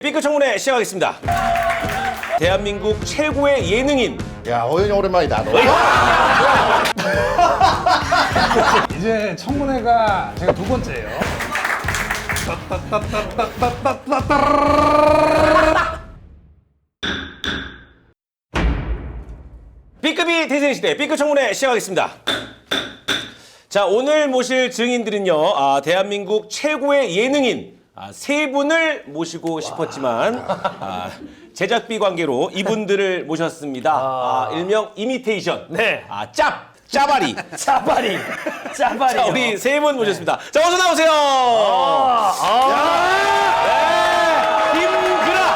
B급 청문회 시작하겠습니다. 대한민국 최고의 예능인. 야, 호연이 오랜만이다. 너. 이제 청문회가 제가 두 번째예요. B급이 대세시대 B급 청문회 시작하겠습니다. 자, 오늘 모실 증인들은요, 대한민국 최고의 예능인 세 분을 모시고 싶었지만 제작비 관계로 이분들을 모셨습니다. 일명 이미테이션. 네. 짜바리. 짜바리. 자, 우리 세 분 모셨습니다. 자, 어서 나오세요. 김그라,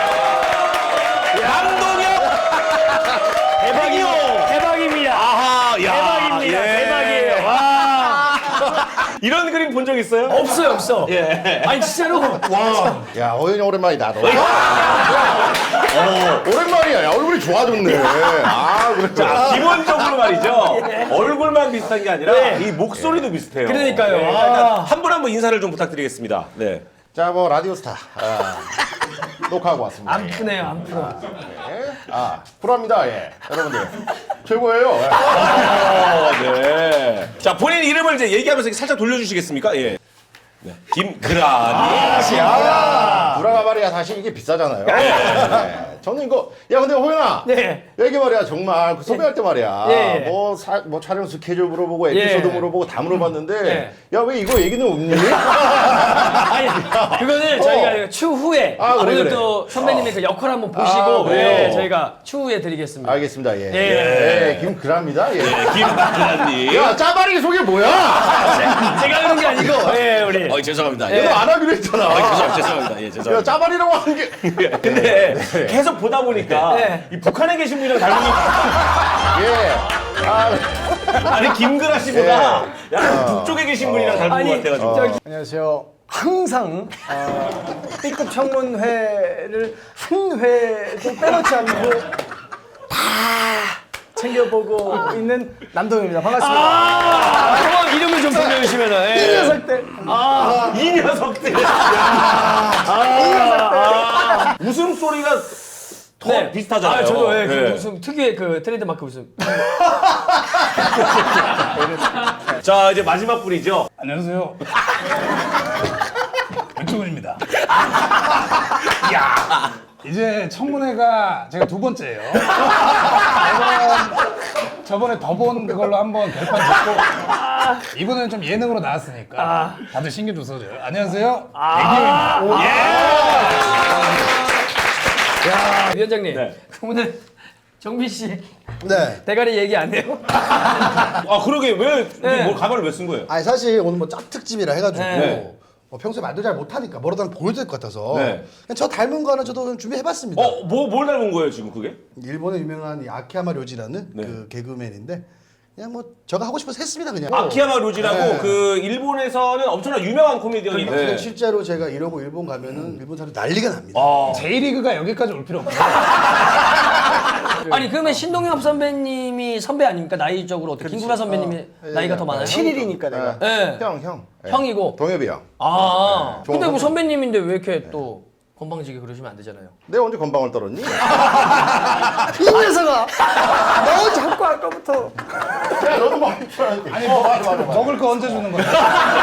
남동혁, 대박이요. 대박입니다. 아하, 야, 대박입니다. 예. 대박이에요. 와. 이런 그림 본 적 있어요? 없어. 예. 아니 진짜로. 와. 야, 호연이 오랜만이다. 너. 오랜만이야. 야, 얼굴이 좋아졌네. 그래. 자, 기본적으로 말이죠. 얼굴만 비슷한 게 아니라 이 목소리도 비슷해요. 그러니까요. 네, 일단 한 분 한 분 인사를 좀 부탁드리겠습니다. 네. 자, 뭐 라디오스타 녹화하고 왔습니다. 안 푸네요, 안 풀어. 쿨합니다. 예. 여러분들 최고예요. 네. 자, 본인 이름을 이제 얘기하면서 살짝 돌려주시겠습니까? 예. 네. 김그라니. 구라가 말이야 사실 이게 비싸잖아요. 네. 저는 이거 근데 호연아. 네. 여기 말이야 정말 그 섭외할 때 말이야. 네. 뭐 촬영 스케줄 물어보고 에피소드 네. 물어보고 다 물어봤는데 네. 야 왜 이거 얘기는 없니? 아니 그거는 저희가 추후에 오늘 그래. 또 선배님의 그 역할 한번 보시고 그래요? 저희가 추후에 드리겠습니다. 알겠습니다. 예. 예. 김그라입니다. 예. 김그라니. 야 짜바리 소개 뭐야? 제가 그런 게 아니고 죄송합니다. 너 안 하기로 했잖아. 죄송합니다. 예, 야 죄송합니다. 짜바리라고 하는 게. 근데 계속 보다 보니까 네. 이 북한에 계신 분이랑 닮은 게 예. 아니 김그라 씨보다 약간 북쪽에 계신 분이랑 닮은 아니, 것 같아가지고. 안녕하세요. 항상 B급 청문회를 한 회도 빼놓지 않고 다 챙겨보고 있는 남동입니다. 반갑습니다. 한번 이름을 좀 불러주시면은. 이 녀석 때 이 녀석들. 웃음소리가 더 비슷하잖아요. 저도 그 네. 웃음 특유의 그 트레이드마크 웃음. 자, 이제 마지막 분이죠. 안녕하세요. 윤충훈입니다. 이제 청문회가 제가 두 번째예요. 저번에 더 본 그걸로 한번 결판 짓고 이번에는 좀 예능으로 나왔으니까 다들 신경 좀 써줘요. 안녕하세요. 애기호입니다. 위원장님, 네. 오늘 정빈 씨 네. 대가리 얘기 안 해요? 그러게 왜 네. 뭘 가발을 왜 쓴 거예요? 아니 사실 오늘 뭐 짭특집이라 해가지고 네. 평소에 말도 잘 못하니까 뭐라도 하나 보여줄 것 같아서 네. 그냥 저 닮은 거 하나 저도 좀 준비해봤습니다. 뭘 닮은 거예요 지금 그게? 일본의 유명한 이 아키야마 료지라는 네. 그 개그맨인데 그냥 뭐 제가 하고 싶어서 했습니다 그냥. 아키야마 료지라고 네. 그 일본에서는 엄청나 유명한 코미디언인데. 근데 실제로 제가 이러고 일본 가면은 일본 사람들 난리가 납니다. J리그가 여기까지 올 필요 없어요. 아니 그러면 신동엽 선배님이 선배 아닙니까? 나이적으로 어떻게? 김구라 선배님이 나이가 더 많아요? 7일이니까 내가. 네. 형. 형이고. 동엽이 형. 근데 뭐 선배. 선배님인데 왜 이렇게 또 건방지게 그러시면 안 되잖아요. 내가 언제 건방을 떨었니? 이 녀석아! 너 자꾸 아까부터 야 너도 많이 쳐야지. 아니, 맞아. 먹을 거 언제 주는 거야?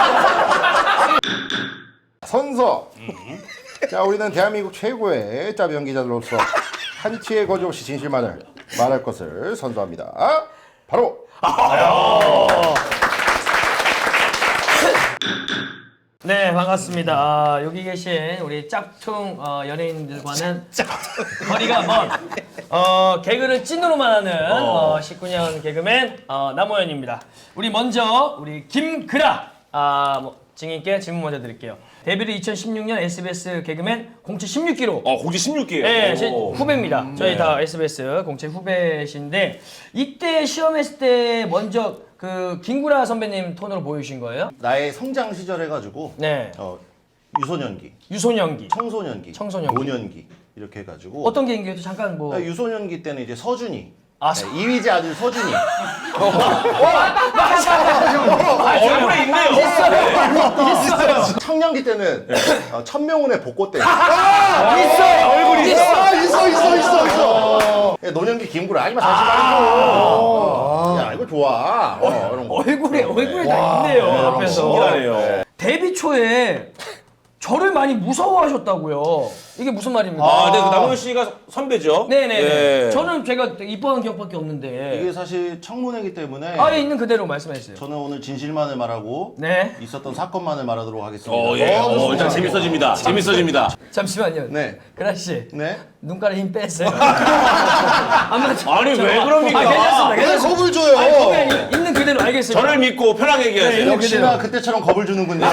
선서. 자, 우리는 대한민국 최고의 짭 연기자들로서 한치의 거짓 없이 진실만을 말할 것을 선서합니다. 바로 네 반갑습니다. 여기 계신 우리 짝퉁 연예인들과는 거리가 먼 개그를 찐으로만 하는 19년 개그맨 남호연입니다. 우리 먼저 우리 김그라 증인께 질문 먼저 드릴게요. 데뷔를 2016년 SBS 개그맨 공채 16기로. 공지 16기예요. 네, 제 후배입니다. 저희 다 SBS 공채 후배신데 이때 시험했을 때 먼저 그 김구라 선배님 톤으로 보여주신 거예요? 나의 성장 시절 해가지고 네. 유소년기, 유소년기. 청소년기, 청소년기. 노년기 이렇게 해가지고 어떤 개인기였죠? 잠깐 뭐. 유소년기 때는 이제 서준이 아, 네, 이휘재 아들 서준이. 얼굴에 있네요. 있어요. 청년기 때는 천명훈의 복고 때. 있어요. 얼굴이 있어. 노년기 김구라 아니면 사실 말이죠. 야 이거 좋아. 이런 거. 얼굴에 다 있네요. 옆에서. 신기하네요. 데뷔 초에 저를 많이 무서워하셨다고요. 이게 무슨 말입니까? 아, 네, 그 남훈 씨가 선배죠? 네네네. 예. 저는 제가 되게 이뻐한 기억밖에 없는데. 이게 사실 청문회이기 때문에 아예 있는 그대로 말씀해주세요. 저는 오늘 진실만을 말하고 네. 있었던 사건만을 말하도록 하겠습니다. 예. 일단 재밌어집니다. 재밌어집니다. 잠시만요. 네. 그라 씨. 네. 눈가에 힘 뺐어요. 아니 왜 그럽니까? 괜찮습니다. 왜 괜찮습니다. 겁을 줘요? 아니, 겁이 있는 그대로 알겠습니다. 저를 믿고 편하게 얘기하세요. 네, 역시나 그때처럼 겁을 주는군요.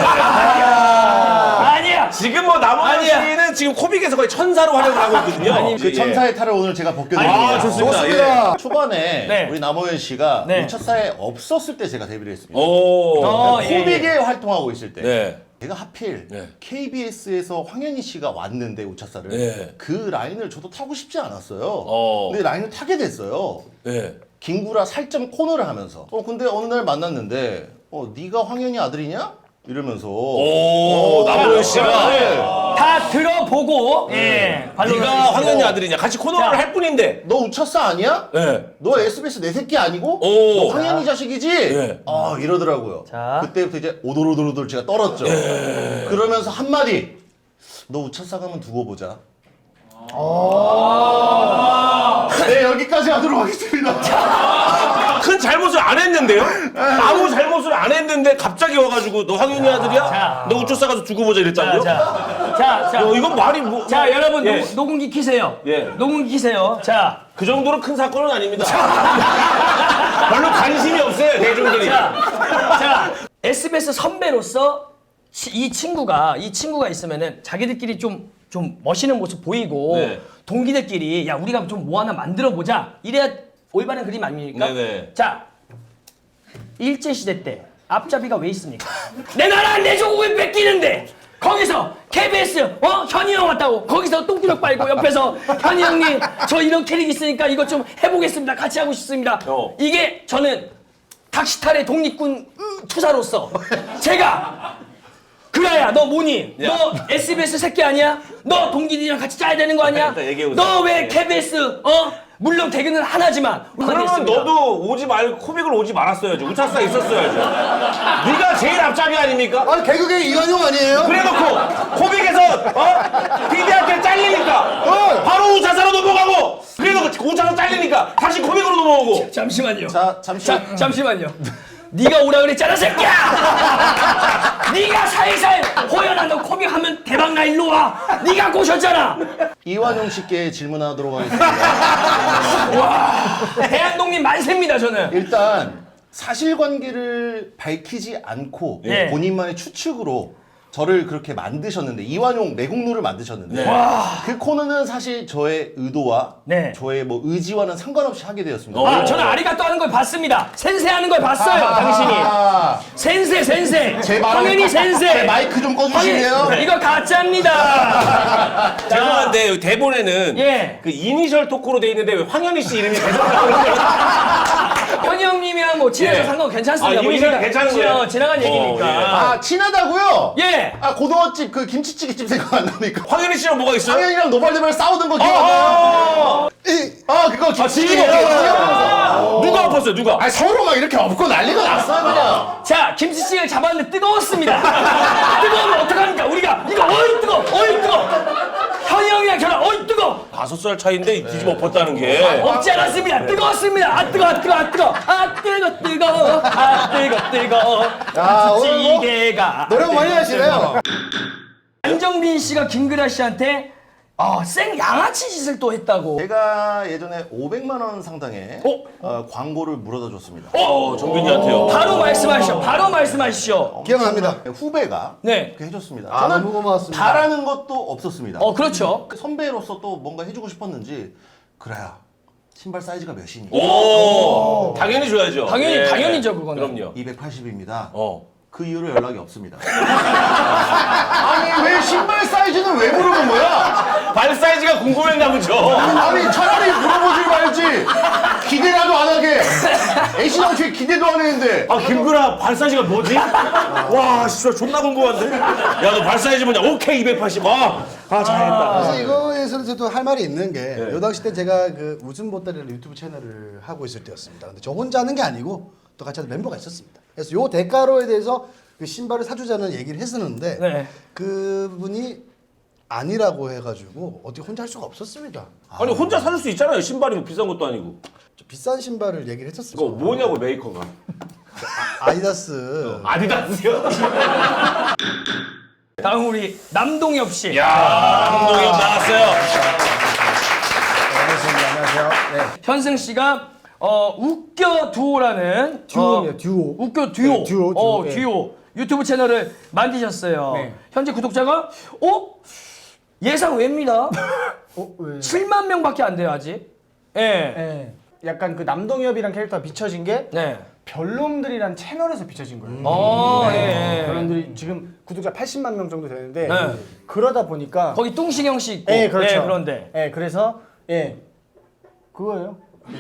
아니야. 지금 뭐 남훈 아니야. 씨는 지금 코빅에서 거의 천사로 활약을 하고 있거든요. 그 천사의 탈을 오늘 제가 벗겨드립니다. 아, 좋습니다. 초반에 네. 우리 남호연 씨가 네. 우차사에 없었을 때 제가 데뷔를 했습니다. 오. 예, 코빅에 활동하고 있을 때. 네. 제가 하필 네. KBS에서 황현희 씨가 왔는데 우차사를 네. 그 라인을 저도 타고 싶지 않았어요. 어. 근데 라인을 타게 됐어요. 네. 김구라 살점 코너를 하면서. 근데 어느 날 만났는데 네가 황현희 아들이냐? 이러면서. 오, 남훈 씨가 네. 다 들어보고 예. 반론을 네가 해주시고. 황현희 아들이냐? 같이 코너를 자. 할 뿐인데. 너 우차사 아니야? 네. 너 SBS 내 새끼 아니고? 오. 너 황현희 자식이지? 네. 이러더라고요. 자. 그때부터 이제 오돌오돌오돌 제가 떨었죠. 그러면서 한마디. 너 우차사 가면 두고 보자. 네, 여기까지 하도록 하겠습니다. 큰 잘못을 안 했는데요? 아무 잘못을 안 했는데 갑자기 와가지고 너 황현희 아들이야? 자. 너 우쭈싸 가서 두고 보자 이랬다고요? 자. 야, 이건 말이 뭐. 자, 여러분 예. 녹음기 키세요. 예. 녹음기 키세요. 자. 그 정도로 큰 사건은 아닙니다. 별로 관심이 없어요, 대중들이. 자, SBS 선배로서 이 친구가 있으면은 자기들끼리 좀 멋있는 모습 보이고 네. 동기들끼리 야 우리가 좀 뭐 하나 만들어 보자 이래야 올바른 그림 아닙니까? 네네. 자 일제 시대 때 앞잡이가 왜 있습니까? 내 나라 내 조국을 뺏기는데 거기서 KBS 현이 형 왔다고 거기서 똥구력 빨고 옆에서 현이 형님 저 이런 캐릭 있으니까 이거 좀 해보겠습니다 같이 하고 싶습니다. 이게 저는 닥시탈의 독립군 투사로서 제가 그라야 너 뭐니? 야. 너 SBS 새끼 아니야? 너 동기들이랑 같이 짜야 되는 거 아니야? 일단 얘기해보세요. 너 왜 KBS 물론 대근은 하나지만 그러면 됐습니다. 너도 오지 말고 코빅을 오지 말았어야죠. 우차싸 있었어야죠. 네가 제일 앞잡이 아닙니까? 아니 개그계 이완용 아니에요? 그래놓고 코빅에서 PD한테 잘리니까 바로 우차사로 넘어가고 그래놓고 우차사 잘리니까 다시 코빅으로 넘어오고. 잠시만요. 자, 잠시만요. 네가 오라 그랬잖아 새끼야. 네가 살살 호연아 너 코믹 하면 대박 나 일로 와. 네가 꼬셨잖아. 이완용 씨께 질문하도록 하겠습니다. 대한독립 만세입니다 저는. 일단 사실관계를 밝히지 않고 네. 본인만의 추측으로 저를 그렇게 만드셨는데 이완용 내국노를 만드셨는데 그 코너는 사실 저의 의도와 네. 저의 뭐 의지와는 상관없이 하게 되었습니다. 아 저는 아리가또 하는 걸 봤습니다. 센세 하는 걸 봤어요 당신이. 센세. 황현이 센세. 제 마이크 좀 꺼주실래요? 황현이, 이거 가짜입니다. 죄송한데 대본에는 예. 그 이니셜 토크로 돼 있는데 왜 황현희 씨 이름이 계속 나오는 거예요? 현이 형님이랑 뭐 친해서 예. 상관 괜찮습니다. 아, 뭐 이미지는 이미 괜찮은 거예요? 지나간 얘기니까. 아 친하다고요? 예. 고등어집 그 김치찌개집 생각 안 납니까? 황현희 씨랑 뭐가 있어요? 황현이랑 노발대발 싸우던 거 기억 안 나요? 그거 김치찌개. 누가 엎었어요? 누가? 서로 막 이렇게 엎고 난리가 났어요 그냥. 자, 김치찌개를 잡았는데 뜨거웠습니다. 뜨거우면 어떡합니까? 우리가 이거 뜨거. 현이 형이랑 저랑 뜨거. 5살 차이인데 뒤집어 엎었다는 게. 없지 않았습니다. 뜨거웠습니다. 아 뜨거. 야, 오늘 뭐 찌개가 노력 많이 하시네요. 안정빈 씨가 김그라 씨한테 생 양아치 짓을 또 했다고. 제가 예전에 500만 원 상당의 광고를 물어다 줬습니다. 정빈이한테요. 바로 말씀하시죠. 기억납니다. 후배가 네. 그렇게 해줬습니다. 아, 저는 너무 고마웠습니다. 바라는 것도 없었습니다. 그렇죠. 선배로서 또 뭔가 해주고 싶었는지 그래야 신발 사이즈가 몇이니? 오, 당연히 줘야죠. 당연히죠, 그거는. 그럼요. 280입니다. 그 이후로 연락이 없습니다. 아니 왜 신발 사이즈는 왜 물어본 거야? 발 사이즈가 궁금했나 보죠. 아니 차라리 물어보지 말지. 기대라도 안 하게. 애시 당초에 기대도 안 했는데. 아 김구라 발 사이즈가 뭐지? 와 진짜 존나 궁금한데? 야 너 발 사이즈 뭐냐? 오케이 280. 잘했다. 그래서 이거에서는 저도 할 말이 있는 게 요 당시 때 제가 그 웃음 보따리라는 유튜브 채널을 하고 있을 때였습니다. 근데 저 혼자 하는 게 아니고 또 같이 하는 멤버가 있었습니다. 그래서 요 대가로에 대해서 그 신발을 사주자는 얘기를 했었는데 네. 그분이 아니라고 해가지고 어떻게 혼자 할 수가 없었습니다. 아니 혼자 사줄 수 있잖아요. 신발이 뭐 비싼 것도 아니고. 저 비싼 신발을 얘기를 했었어요. 이거 뭐냐고 메이커가. 아디다스. 아디다스요? 다음 우리 남동엽 씨. 야 감독이 나왔어요. 안녕하세요. 네. 현승 씨가 웃겨 두오라는 듀오입니다, 듀오. 웃겨 듀오. 네, 듀오, 네. 듀오 유튜브 채널을 만드셨어요. 네. 현재 구독자가 예상 외입니다. 왜? 7만 명밖에 안 돼요 아직. 예. 네. 약간 그 남동엽이란 캐릭터가 비춰진 게 네. 별놈들이란 채널에서 비춰진 거예요. 예. 별놈들이 지금 구독자 80만 명 정도 되는데 네. 그러다 보니까 거기 뚱신영 씨 있고. 예, 그렇죠. 예, 그런데 예, 그래서 그거예요.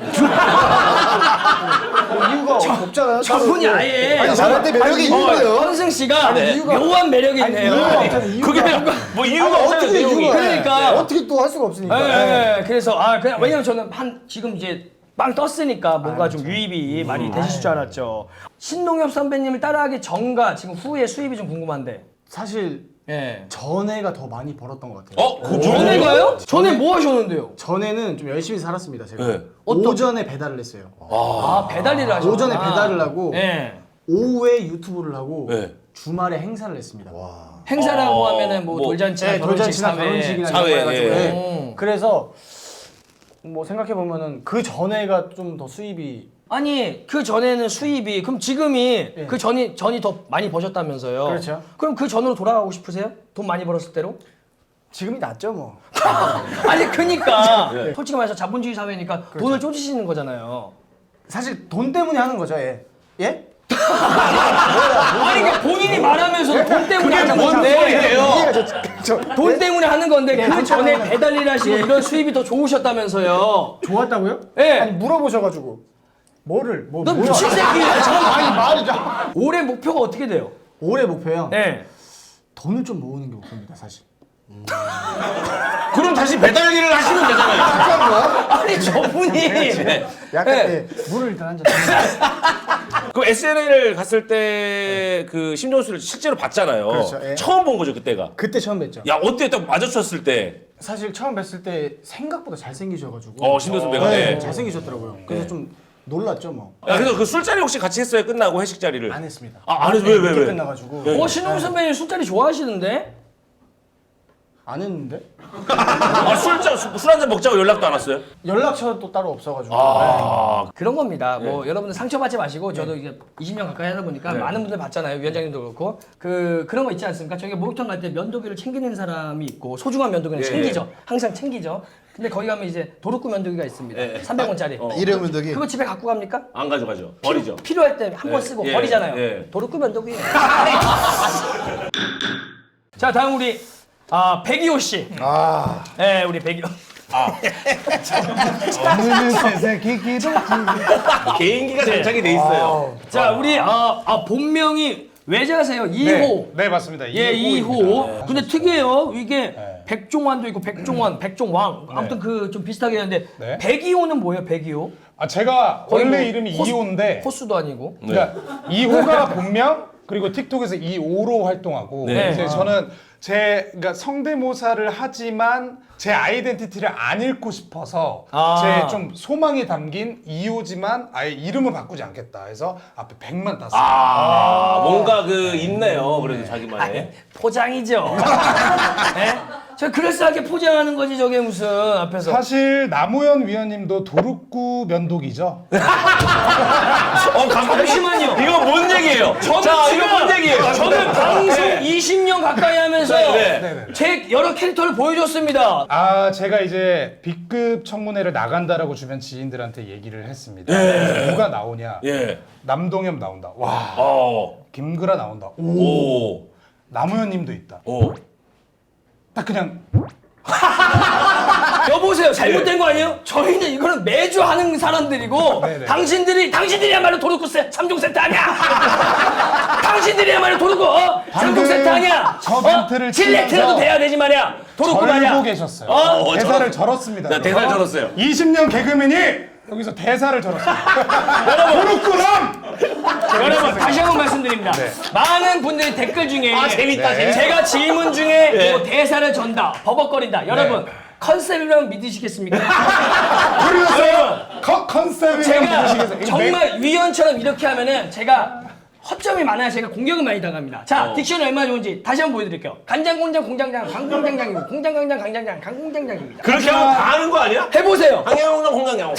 이유가 없잖아요. 저분이 아예 아니 잘할 때 매력이 있는 거예요. 현승 씨가 묘한 매력이 있네요. 그게 뭐 이유가 없잖아요. 어떻게 내용이. 이유가 그러니까. 어떻게 또 할 수가 없으니까. 예, 그래서 그냥 왜냐면 저는 지금 이제 빵 떴으니까 뭔가 좀 유입이 많이 되실 줄 알았죠. 신동엽 선배님을 따라하기 전과 지금 후의 수입이 좀 궁금한데. 사실 예. 전에가 더 많이 벌었던 것 같아요. 전에가요? 전에 뭐 하셨는데요? 전에는 좀 열심히 살았습니다. 제가 네. 오전에 배달을 했어요. 배달 일을 하셨구나. 오전에 배달을 하고 예. 오후에 유튜브를 하고 네. 주말에 행사를 했습니다. 행사라고 하면은 뭐 돌잔치나 네, 돌잔치나 결혼식이나 이런 거 사회, 해가지고. 예. 네. 그래서 뭐 생각해 보면은 그 전에가 좀 더 수입이 아니 그 전에는 수입이 그럼 지금이 그 전이 더 많이 버셨다면서요? 그렇죠. 그럼 그 전으로 돌아가고 싶으세요? 돈 많이 벌었을 때로? 지금이 낫죠 뭐. 아니 그니까 솔직히 말해서 자본주의 사회니까 돈을 쪼지시는 거잖아요. 사실 돈 때문에 하는 거죠, 예. 예? 아니 그러니까 본인이 말하면서 돈 때문에 하는 건데 돈 때문에 하는 건데 그 전에 배달 일 하시고 이런 수입이 더 좋으셨다면서요. 좋았다고요? 예. 아니 물어보셔가지고 뭐를 너 뭐야? 미친 새끼야. 아니 말이죠. 올해 목표가 어떻게 돼요? 올해 목표요. 네. 돈을 좀 모으는 게 목표입니다, 사실. 그럼 다시 배달 일을 하시면 되잖아요. 아니 저분이 약간 네. 물을 일단 한 잔. 그 SNL 갔을 때 그 심정수를 실제로 봤잖아요. 그렇죠, 예. 처음 본 거죠 그때가. 그때 처음 뵀죠. 야 어때 딱 마주쳤을 때. 사실 처음 뵀을 때 생각보다 잘생기셔가지고. 신동 선배가. 네, 네. 잘생기셨더라고요. 그래서 좀 놀랐죠 뭐. 야 그래서 그 술자리 혹시 같이 했어요? 끝나고 회식 자리를. 안 했습니다. 안 해서 왜? 늦게 끝나가지고. 신동 선배님 술자리 좋아하시는데? 안 했는데 술 한잔 먹자고 연락도 안 왔어요? 연락처도 따로 없어가지고. 그런 겁니다. 뭐 여러분들 상처받지 마시고 저도 이제 20년 가까이 하다 보니까 많은 분들 봤잖아요. 위원장님도 그렇고 그런 거 있지 않습니까? 저희가 목욕탕 갈 때 면도기를 챙기는 사람이 있고 소중한 면도기는 챙기죠. 항상 챙기죠. 근데 거기 가면 이제 도루쿠 면도기가 있습니다. 300원짜리. 일회용 면도기. 그거 집에 갖고 갑니까? 안 가져가죠. 버리죠. 필요할 때 한 번 쓰고 버리잖아요. 도루쿠 면도기. 자 다음 우리 백이호 씨. 네 우리 백이호. 오늘은 새새끼 기도. 개인기가 장착이 돼 있어요. 자 우리 본명이 외자세요. 2호. 네 맞습니다. 예, 2호. 근데 특이해요. 이게 백종환도 있고 백종원, 백종왕. 아무튼 그 좀 비슷하게 하는데 네. 백이호는 뭐예요? 백이호? 제가 거의 원래 뭐 이름이 호수- 2호인데 호수도 아니고. 그러니까 2호가 본명 그리고 틱톡에서 2호로 활동하고 네. 이제 저는 그러니까 성대모사를 하지만 제 아이덴티티를 안 잃고 싶어서 제 좀 소망이 담긴 2호지만 아예 이름을 바꾸지 않겠다 해서 앞에 100만 땄어요. 뭔가 있네요. 그래도 자기만의. 포장이죠. 예? 저 그럴싸하게 포장하는 거지 저게 무슨 앞에서. 사실 남우현 위원님도 도루쿠 면도기죠. 잠시만요. 이거 뭔 얘기예요? 자, 이거 뭔 얘기예요? 저는 방송 20년 가까이 하면서 제 여러 캐릭터를 보여줬습니다. 제가 이제 B급 청문회를 나간다라고 주변 지인들한테 얘기를 했습니다. 누가 나오냐? 예. 남동엽 나온다. 와. 김그라 나온다. 오. 남우현님도 있다. 오. 딱 그냥 여보세요. 잘못된 거 아니에요? 저희는 이거는 매주 하는 사람들이고 네네. 당신들이야말로 도루쿠 3종 세트 아니야? 당신들이야말로 도루쿠 3종 세트 아니야? 저 멘트를 칠레트라도 치면서 돼야 되지 말이야. 도루쿠 말이야. 절고 계셨어요. 대사를 절었습니다. 나 대사를 절었어요. 20년 개그맨이 여기서 대사를 절었습니다. 도루쿠람! 여러분 다시 한번 말씀드립니다. 많은 분들이 댓글 중에 재밌다, 재밌다. 제가 질문 중에 뭐 대사를 전다, 버벅거린다. 여러분 컨셉이라면 믿으시겠습니까? 그래서 컨셉이 제가 보시겠어요? 정말 위원처럼 이렇게 하면은 제가 허점이 많아야 제가 공격을 많이 당합니다. 자, 딕션이 얼마나 좋은지 다시 한번 보여드릴게요. 간장, 공장, 공장장, 강공장장이고 공장, 강장, 강장장, 강공장장입니다. 그렇게 하면 다 하는 거 아니야? 해보세요. 황양홍랑 홍강양.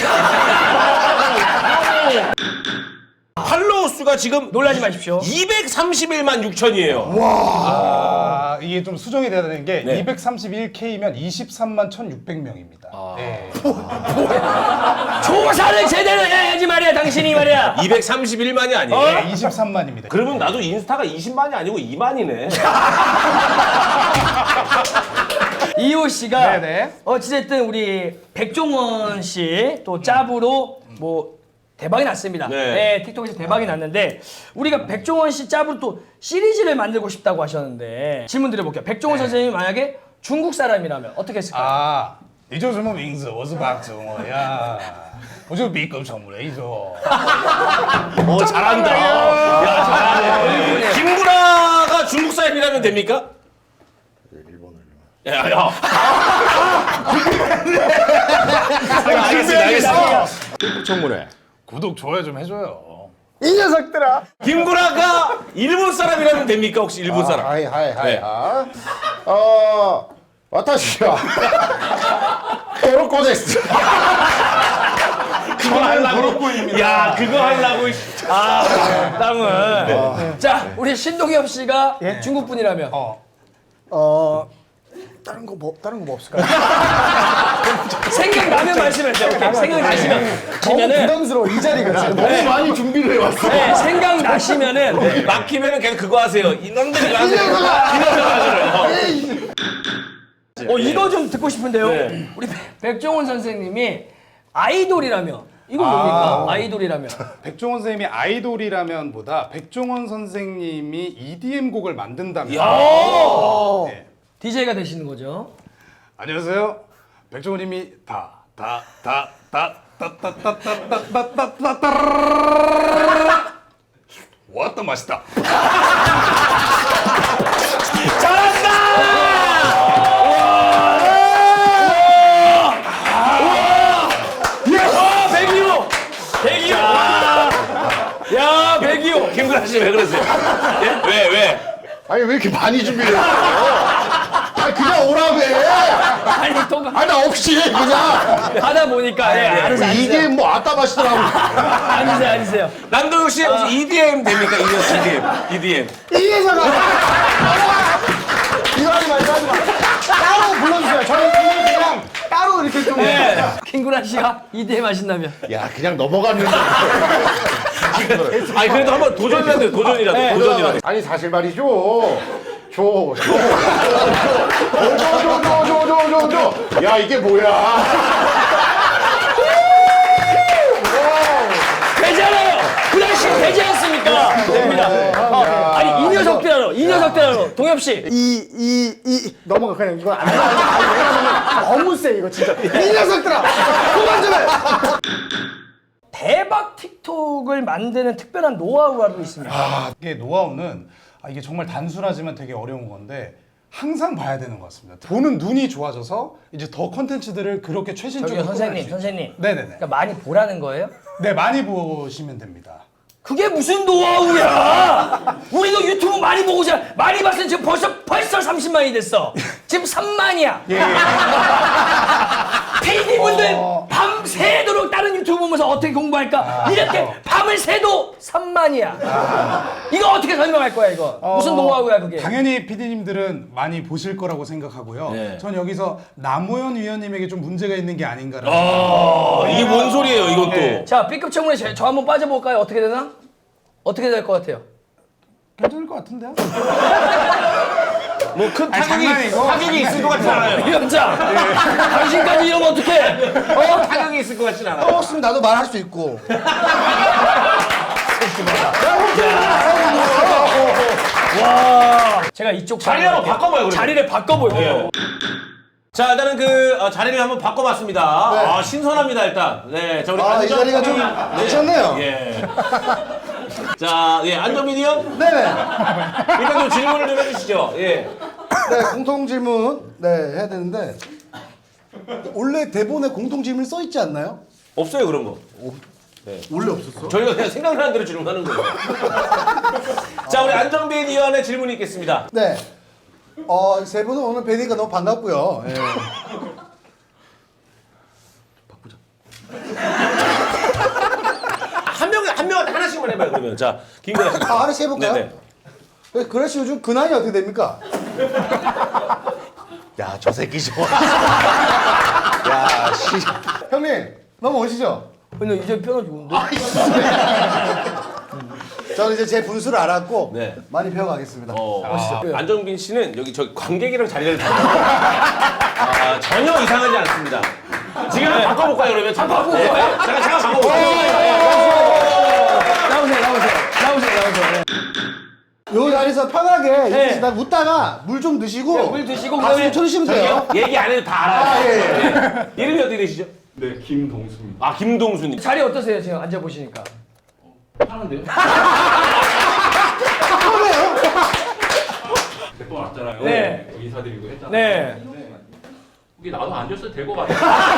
팔로우 수가 지금 놀라지 마십시오. 231만 6천이에요. 아, 이게 좀 수정이 돼야 되는 게 네. 231K면 23만 1,600명입니다. 네. 조사를 제대로 해야지 말이야, 당신이 말이야. 231만이 아니에요. 네, 23만입니다. 그러면 나도 인스타가 20만이 아니고 2만이네. 이호 씨가 네네. 어찌됐든 우리 백종원 씨 또 짭으로 뭐 대박이 났습니다. 네. 네, 틱톡에서 대박이 났는데 우리가 백종원 씨 짭으로 또 시리즈를 만들고 싶다고 하셨는데 질문 드려볼게요. 백종원 선생님이 만약에 중국 사람이라면 어떻게 했을까요? 아, 你叫什么名字？我是박정호야。我就B급 선물해줘. 오, 잘한다. 야, 잘하네. 김구라가 중국 사람이라면 됩니까? 야, 야. 알겠습니다, 알겠습니다. 청문회. 구독, 좋아요 좀 해줘요. 이 녀석들아. 김구라가 일본 사람이라면 됩니까? 혹시 일본 사람? 하이 하이 하이. 네. 와타시와 에로코 데스. 그거 하려고. 야, 그거 하려고. 땅은. 자, 우리 신동엽 씨가 중국 분이라면 다른 거 뭐 없을까요? 생각나면 말씀해주세요. 오케이. 생각나시면 너무 면은 부담스러워 이 자리가 지금. 너무 많이 준비를 해왔어. 네, 생각나시면은 막히면은 그냥 그거 하세요. 이놈들이 하세요. 이놈들 하세요. 이거 좀 듣고 싶은데요. 네. 우리 백종원 선생님이 아이돌이라면 이건 뭡니까? 아이돌이라면 백종원 선생님이 아이돌이라면보다 백종원 선생님이 EDM 곡을 만든다면. 네. DJ가 되시는 거죠. 안녕하세요. 백종원님이 왔다 맛있다. 백이호! 야, 백이호! 김구라 씨 왜 그러세요? 예? 왜? 아니 왜 이렇게 많이 준비를 했어? 아니 그냥 오라며. 아니, 또 아니 나 없이 해 그냥. 하다 보니까 예, 알아서 이게 뭐 아따 맛이더라고. 앉으세요. 남동욱 씨 혹시 EDM 됩니까? EDM. 이 녀석아. 이거 하지 마. 따로 불러주세요. 저희 그냥 따로 이렇게 좀. 킹구라 씨가 EDM 하신다면 야 그냥 넘어갔는데. 아니 그래도 한번 도전이라도 돼요. 도전이라도. 아니 사실 말이죠. 줘. 야 이게 뭐야? 되잖아요. 구라 씨 되지 않습니까? 됩니다. 아니 이 녀석들하러 동엽 씨. 이 넘어가 그냥 이거 안 돼. 너무 세 이거 진짜. 이 녀석들아. 그만 좀 해. 대박 틱톡을 만드는 특별한 노하우가 있습니다. 이게 노하우는 이게 정말 단순하지만 되게 어려운 건데 항상 봐야 되는 것 같습니다. 보는 눈이 좋아져서 이제 더 컨텐츠들을 그렇게 최신적으로 선생님. 네네네. 그러니까 많이 보라는 거예요? 네, 많이 보시면 됩니다. 그게 무슨 노하우야? 우리도 유튜브 많이 보고 많이 봤으면 지금 벌써 30만이 됐어. 지금 3만이야. PD분들 밤새도록 다른 유튜브 보면서 어떻게 공부할까? 이렇게 밤을 새도 3만이야. 이거 어떻게 설명할 거야 이거? 무슨 노하우야 그게? 당연히 PD님들은 많이 보실 거라고 생각하고요. 네. 전 여기서 남호연 위원님에게 좀 문제가 있는 게 아닌가라는. 이게 뭔 소리예요, 이건 또. 네. 자 B급 청문회 저 한번 빠져볼까요? 어떻게 되나? 어떻게 될 것 같아요? 괜찮을 것 같은데요? 뭐 큰 장난이고. 타격이 있을 것 같지 않아요. 위원장, 당신까지 이러면 어떡해? 타격이 있을 것 같진 않아. 떠먹으면 나도 말할 수 있고. 제가 이쪽 자리를 한번 바꿔봐요, 그러면. 자리를 바꿔볼게요. 자, 일단은 그 자리를 한번 바꿔봤습니다. 아, 신선합니다, 일단. 네, 자, 우리 아, 이 자리가 좀 괜찮네요. 예. 자, 예, 안정민이 형. 네네. 일단 좀 질문을 좀 해주시죠. 예. 네, 공통 질문 해야 되는데 원래 대본에 공통 질문 써 있지 않나요? 없어요, 그런 거. 원래 없었어. 저희가 그냥 생각나는 대로 질문하는 거예요. 자, 우리 안정빈 위원의 질문이 있겠습니다. 네. 세 분은 오늘 뵈니까 너무 반갑고요. 예. 한 명한테 하나씩만 해봐요, 그러면. 자, 김근아 씨. 하나씩 해볼까요? 네네. 그래 씨 요즘 근황이 어떻게 됩니까? 야, 저 새끼 좋아. 야, 씨. 형님, 넘어오시죠. 근데 이제 뼈가 좋은데? 저는 이제 제 분수를 알았고 네. 많이 배워가겠습니다. 안정빈 씨는 여기 저 관객이랑 자리를 전혀 이상하지 않습니다. 지금 바꿔볼까요, 그러면? 잠깐 바꿔볼까요? 잠깐 바꿔볼까요? 나오세요. 요 자리에서 편하게 네. 이렇게 웃다가 물 좀 드시고 네, 물 드시고 박수 그다음에 좀 쳐주시면 돼요. 얘기 안 해도 다 알아요. 예. 네. 이름이 어떻게 되시죠? 네, 김동수입니다. 아, 김동수님. 자리 어떠세요? 지금 앉아보시니까. 하는데요? 몇번 왔잖아요. 네. 인사드리고 했잖아요. 네. 근데 이게 나도 앉았어도 될 것 같아요.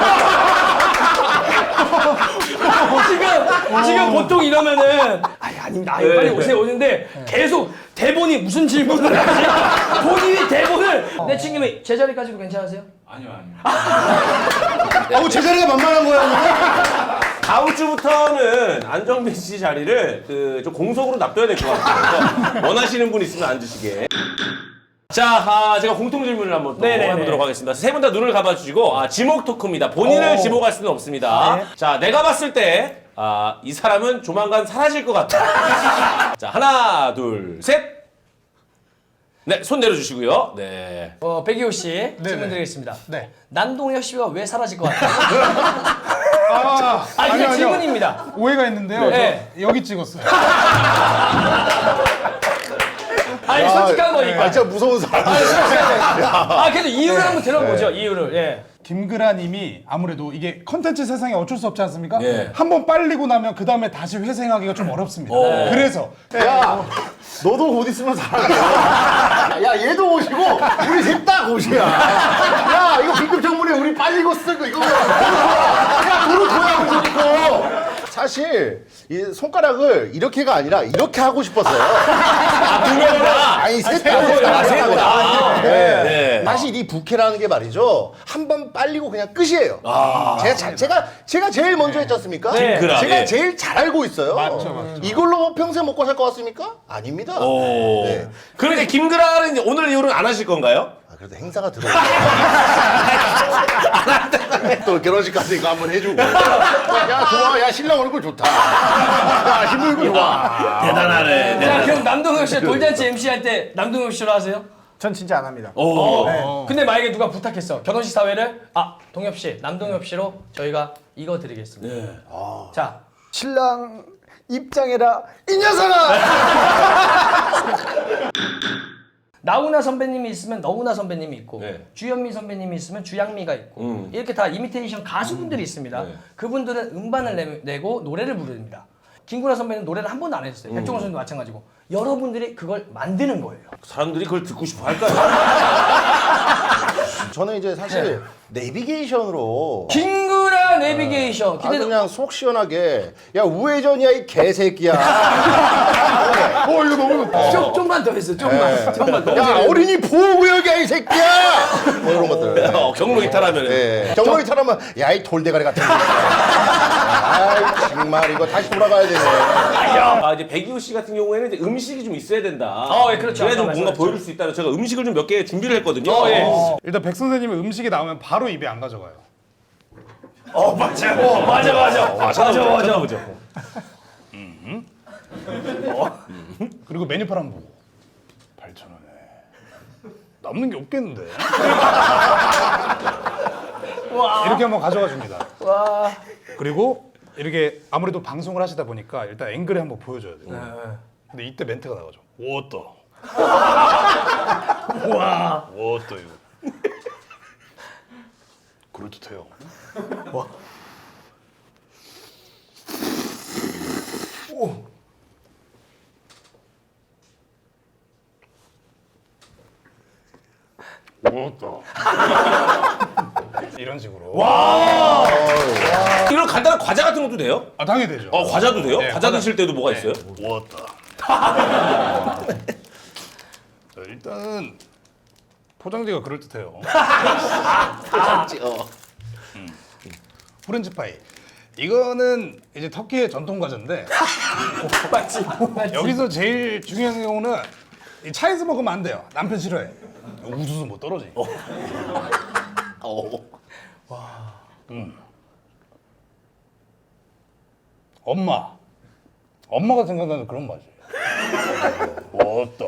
지금 보통 이러면은 아닙니다. 빨리 오세요 오는데 계속 대본이 무슨 질문을 하지? 본인이 대본을 내 친구면 제 자리까지도 괜찮으세요? 아니요. 제 자리가 만만한 거야. 다음 주부터는 안정빈 씨 자리를 좀 공석으로 놔둬야 될 것 같아요. 그래서 원하시는 분 있으면 앉으시게. 자, 제가 공통 질문을 한번 또 네네네. 해보도록 하겠습니다. 세 분 다 눈을 감아주시고, 지목 토크입니다. 본인을 지목할 수는 없습니다. 네. 자, 내가 봤을 때, 이 사람은 조만간 사라질 것 같다. 자, 하나, 둘, 셋. 네, 손 내려주시고요. 네. 백이호 씨 질문 드리겠습니다. 네. 남동혁 씨가 왜 사라질 것 같아요? 아, 그냥 아니요. 질문입니다. 오해가 있는데요. 네. 저 여기 찍었어요. 아니 솔직한 거니까. 진짜 무서운 사람. 그래도 이유를 한번 들어보죠. 이유를. 예. 김그라님이 아무래도 이게 컨텐츠 세상에 어쩔 수 없지 않습니까? 예. 한번 빨리고 나면 그 다음에 다시 회생하기가 좀 어렵습니다. 그래서 야, 너도 곧 있으면 살아. 야, 얘도 오시고 우리 셋 다 옷이야. 야, 이거 긴급 정문에 우리 빨리 이거 쓰고 이거. 야, 도로 줘야 이거. 사실 이 손가락을 이렇게가 아니라 이렇게 하고 싶었어요. 두 명이나. 아니 셋 세 분. 다. 네. 네. 사실 이 부캐라는 게 말이죠. 한 번 빨리고 그냥 끝이에요. 제가 제일 먼저 했지 않습니까? 네. 김그라, 제가 예. 제일 잘 알고 있어요. 맞죠. 이걸로 뭐 평생 먹고 살 것 같습니까? 아닙니다. 오. 네. 그런데 김그라는 이제 오늘 이후로는 안 하실 건가요? 그래도 행사가 들어오고 또 결혼식까지 이거 한번 해주고 야 좋아 야 신랑 얼굴 좋다 야 신부 얼굴 좋아 대단하네. 자 그럼 남동혁 씨 돌잔치 MC 할 때 남동혁 씨로 하세요? 전 진짜 안 합니다. 오. 근데 만약에 누가 부탁했어 결혼식 사회를 동엽 씨, 남동엽 씨로 저희가 이거 드리겠습니다. 네. 자 신랑 입장해라 이 녀석아. 나훈아 선배님이 있으면 너훈아 선배님이 있고 네. 주현미 선배님이 있으면 주양미가 있고 이렇게 다 이미테이션 가수분들이 있습니다. 네. 그분들은 음반을 내고 노래를 부릅니다. 김구라 선배는 노래를 한 번도 안 했어요. 백종원 선생도 마찬가지고 여러분들이 그걸 만드는 거예요. 사람들이 그걸 듣고 싶어 할까요? 저는 이제 사실 내비게이션으로 김구라 내비게이션 아주 기대도 그냥 속 시원하게 야 우회전이야 이 개새끼야 이거 너무 좀만 더 했어. 좀만 더. 야 어린이 보호구역이야 이 새끼야 뭐 이런 것들 경로 이탈하면. 네. 경로이 타라면 야 이 돌대가리 같은 거 아이 정말 이거 다시 돌아가야 되네 이제 백이호 씨 같은 경우에는 이제 음식이 좀 있어야 된다. 예, 그렇죠. 그래야 좀 아까 뭔가 말씀하셨죠. 보여줄 수 있다는 제가 음식을 좀 몇 개 준비를 했거든요. 일단 백 선생님은 음식이 나오면 바로 입에 안 가져가요. 맞아. 찾아보죠. 그리고 메뉴판 한번 보고 8,000원에 남는 게 없겠는데. 이렇게 한번 가져가 줍니다. 그리고 이렇게 아무래도 방송을 하시다 보니까 일단 앵글에 한번 보여줘야 돼요. 근데 이때 멘트가 나가죠. 워터. 와. 워터 이거. 그럴듯해요. 와. 오. 워터. 이런 식으로. 이런 간단한 과자 같은 것도 돼요? 아 당연히 되죠. 과자도 돼요? 네, 과자 과자. 드실 때도 뭐가 있어요? 워터. 자, 일단은 포장지가 그럴듯해요. 프렌치 파이. 이거는 이제 터키의 전통 과자인데 맞지? 여기서 제일 중요한 경우는 이 차에서 먹으면 안 돼요. 남편 싫어해. 우수수 뭐 떨어지. 엄마가 생각나는 그런 맛이에요. 워터.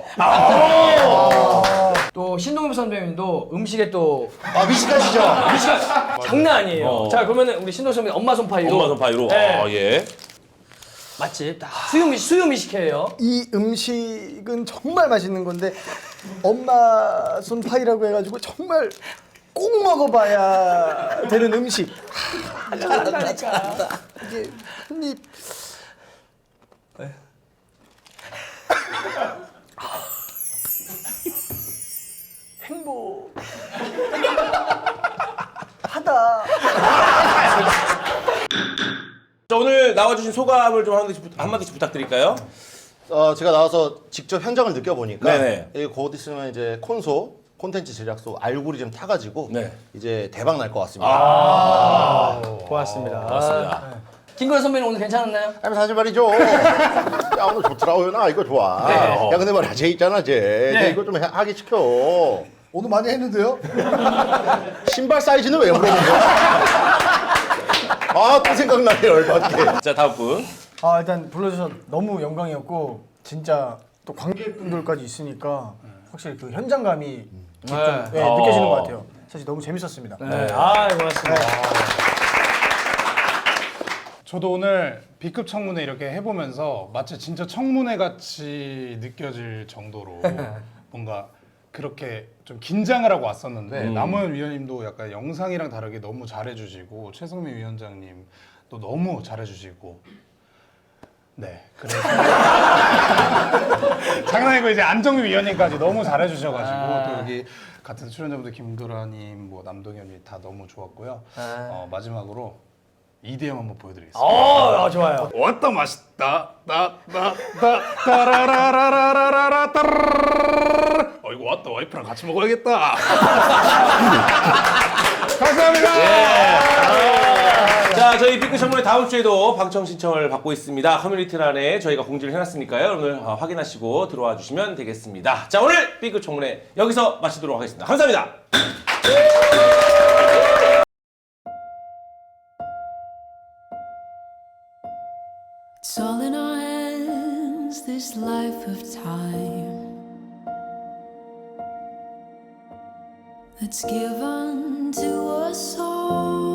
또 신동엽 선배님도 음식에 또 아 미식가시죠? 음식가 장난 아니에요. 자 그러면은 우리 신동엽 선배님 엄마 손파이로. 엄마 손파이로. 네. 아, 예. 맛집 다 수요미 식회예요. 이 음식은 정말 맛있는 건데 엄마 손파이라고 해가지고 정말 꼭 먹어봐야 되는 음식. 잘한다니까. 이게 한입 행복 하다. 자, 오늘 나와주신 소감을 좀 한마디씩 부탁드릴까요? 제가 나와서 직접 현장을 느껴보니까 네네. 곧 있으면 이제 콘텐츠 제작소 알고리즘 타가지고 네. 이제 대박 날 것 같습니다. 고맙습니다. 맞습니다. 김구라 선배님 오늘 괜찮았나요? 아니 사실 말이죠. 야 오늘 좋더라고요. 나 이거 좋아. 네. 야 근데 말이야 쟤 있잖아 쟤. 네. 쟤 이거 좀 하기 시켜. 오늘 많이 했는데요? 신발 사이즈는 왜 물어본 거야? 아또 생각나네 열받게. 자, 다음 분. 아 일단 불러주셔서 너무 영광이었고 진짜 또 관객분들까지 있으니까 확실히 그 현장감이 좀, 느껴지는 것 같아요. 사실 너무 재밌었습니다. 네. 아 고맙습니다. 저도 오늘 B급 청문회 이렇게 해보면서 마치 진짜 청문회 같이 느껴질 정도로 뭔가 그렇게 좀 긴장을 하고 왔었는데 남호연 위원님도 약간 영상이랑 다르게 너무 잘해주시고 최성민 위원장님도 너무 잘해주시고 네 그래서 장난이고 이제 안정미 위원님까지 너무 잘해주셔가지고 또 여기 같은 출연자분들 김도라님 뭐 남동현님 다 너무 좋았고요. 마지막으로 EDM 한번 보여드리겠습니다. 좋아요. 왔다 맛있다 따라라라라라라 따르르르. 이거 왔다 와이프랑 같이 먹어야겠다. 감사합니다. 자, 저희 B급 청문회 다음 주에도 방청 신청을 받고 있습니다. 커뮤니티란에 저희가 공지를 해놨으니까요. 여러분들 확인하시고 들어와 주시면 되겠습니다. 자, 오늘 B급 청문회 여기서 마치도록 하겠습니다. 감사합니다. It's all in our hands, this life of time that's given to us all.